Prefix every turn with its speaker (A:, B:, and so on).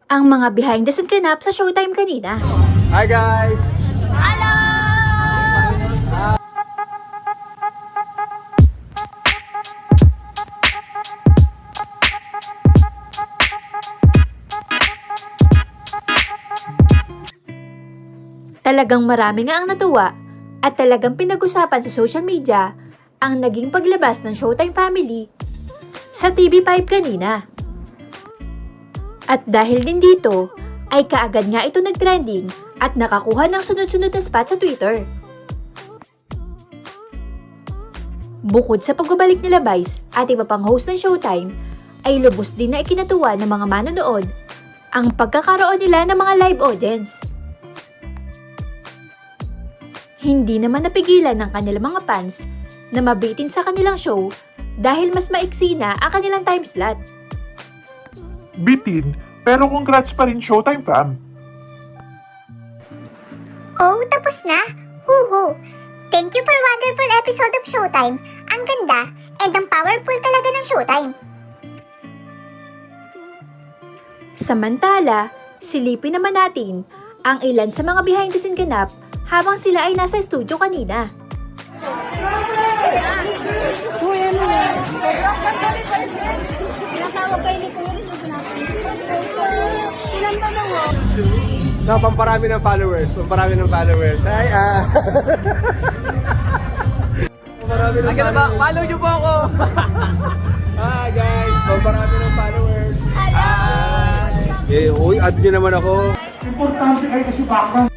A: ang mga behind the scene ganap sa Showtime kanina.
B: Hi guys!
A: Hello! Talagang marami nga ang natuwa at talagang pinag-usapan sa social media ang naging paglabas ng Showtime family sa TV5 kanina. At dahil din dito, ay kaagad nga ito nag-trending at nakakuha ng sunod-sunod na spot sa Twitter. Bukod sa pagbabalik nila Vice at iba pang host ng Showtime, ay lubos din na ikinatuwa ng mga manonood ang pagkakaroon nila ng mga live audience. Hindi naman napigilan ng kanilang mga fans na mabitin sa kanilang show dahil mas maiksi na ang kanilang time slot.
C: Bitin, pero congrats pa rin Showtime fam.
D: Oh, tapos na? Huhu! Thank you for wonderful episode of Showtime. Ang ganda and ang powerful talaga ng Showtime.
A: Samantala, silipin naman natin ang ilan sa mga behind the scene ganap habang sila ay nasa studio kanina.
B: No, pamparami ng followers. Pamparami ng followers. Hi, Pamparami ng followers.
E: Follow niyo po ako!
B: Hi guys! Pamparami ng followers. Hi! Uy, add nyo naman ako.
C: Importante kayo kasi background.